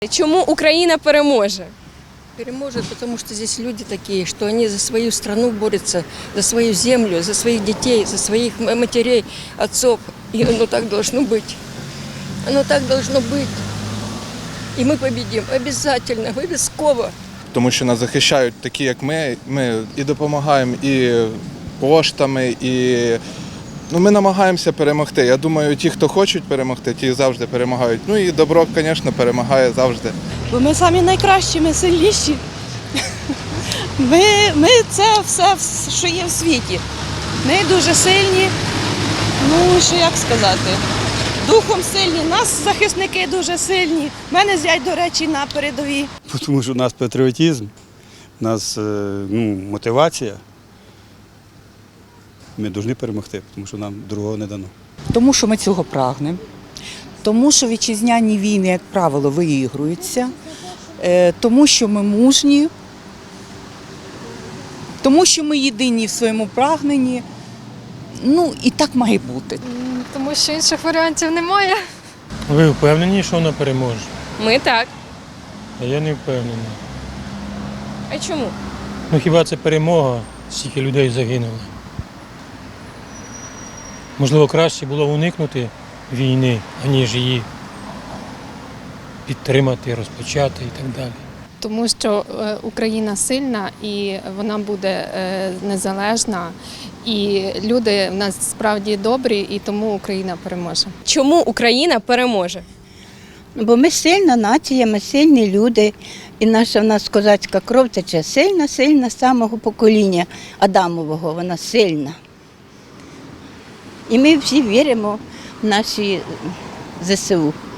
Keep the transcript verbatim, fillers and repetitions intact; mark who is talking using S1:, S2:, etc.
S1: Чому Україна переможе?
S2: Переможет, потому что здесь люди такие, что они за свою страну борются, за свою землю, за своих детей, за своих матерей, отцов. И оно так должно быть. Оно так должно быть. І ми победимо обов'язково, обов'язково.
S3: Тому що нас захищають такі, як ми. Ми і допомагаємо, і коштами, і ну, ми намагаємося перемогти. Я думаю, ті, хто хочуть перемогти, ті завжди перемагають. Ну і добро, звісно, перемагає завжди.
S4: Бо ми самі найкращі, ми сильніші. Ми, ми це все, що є в світі. Ми дуже сильні, ну що як сказати, духом сильні, нас захисники дуже сильні. У мене зять, до речі, на передовій.
S5: Тому що у нас патріотизм, у нас ну, мотивація. Ми повинні перемогти, тому що нам другого не дано.
S6: Тому що ми цього прагнемо, тому що вітчизняні війни, як правило, виігруються, тому що ми мужні, тому що ми єдині в своєму прагненні. Ну і так має бути.
S7: Тому що інших варіантів немає.
S8: Ви впевнені, що вона переможе?
S1: Ми так.
S8: А я не впевнений.
S1: А чому?
S8: Ну хіба це перемога, стільки людей загинуло? Можливо, краще було уникнути війни, аніж її підтримати, розпочати і так далі.
S7: Тому що Україна сильна і вона буде незалежна. І люди в нас справді добрі, і тому Україна переможе.
S1: Чому Україна переможе?
S9: Бо ми сильна нація, ми сильні люди. І наша в нас козацька кров тече сильна, сильна з самого покоління Адамового, вона сильна. І ми всі віримо в наші зе се у.